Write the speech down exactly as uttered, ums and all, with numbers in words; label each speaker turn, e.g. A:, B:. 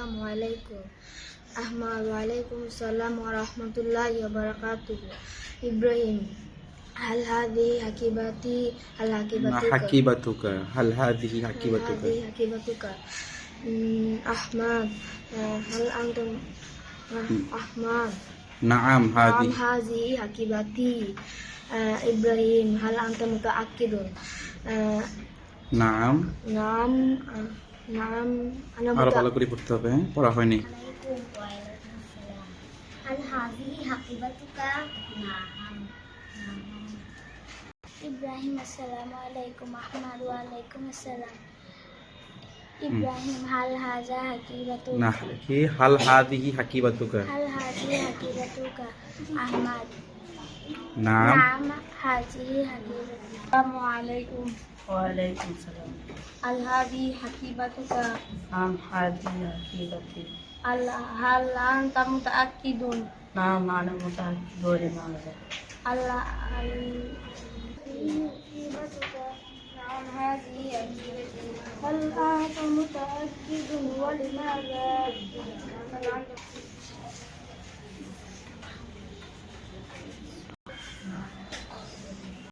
A: Assalamualaikum. Ahmad Waalaikumsalam warahmatullahi wabarakatuh. Ibrahim, hal hadhihi hakibati hal hakibatuka
B: hakibatuka hal hadhihi hakibatuka
A: hal hadhihi hakibatuka. Hmm, Ahmad, uh, hal antum uh, Ahmad
B: Naam
A: Naam
B: hadhihi
A: hadhihi hakibati. uh, Ibrahim, hal anta mutaakkidun. uh,
B: নাম
A: নাম uh, নাম ana
B: আরো ভালো করে পড়তে হবে, পড়া হয়নি।
A: hal hadhihi hakibatuka. Naam. Ibrahim, assalamualaikum. Ahmad waalaikumsalam. Ibrahim, hal hadha hakibatuka.
B: না কি হাল হাদিহি হাকিবাতুকা
A: hal hadhihi hakibatuka. Ahmad
B: নাম
A: naam hadhihi hakibatuka. Assalamualaikum.
C: Waalaikumsalam.
A: Hal hadhihi hakibatuka.
C: Naam hadhihi hakibati.
A: Al hal anta mutaakkidun.
C: Naam ana mutaakkidun ma'ana.
A: Allah al hakibatuka. Naam hadhihi hakibati. Hal anta mutaakkidun wa limadha?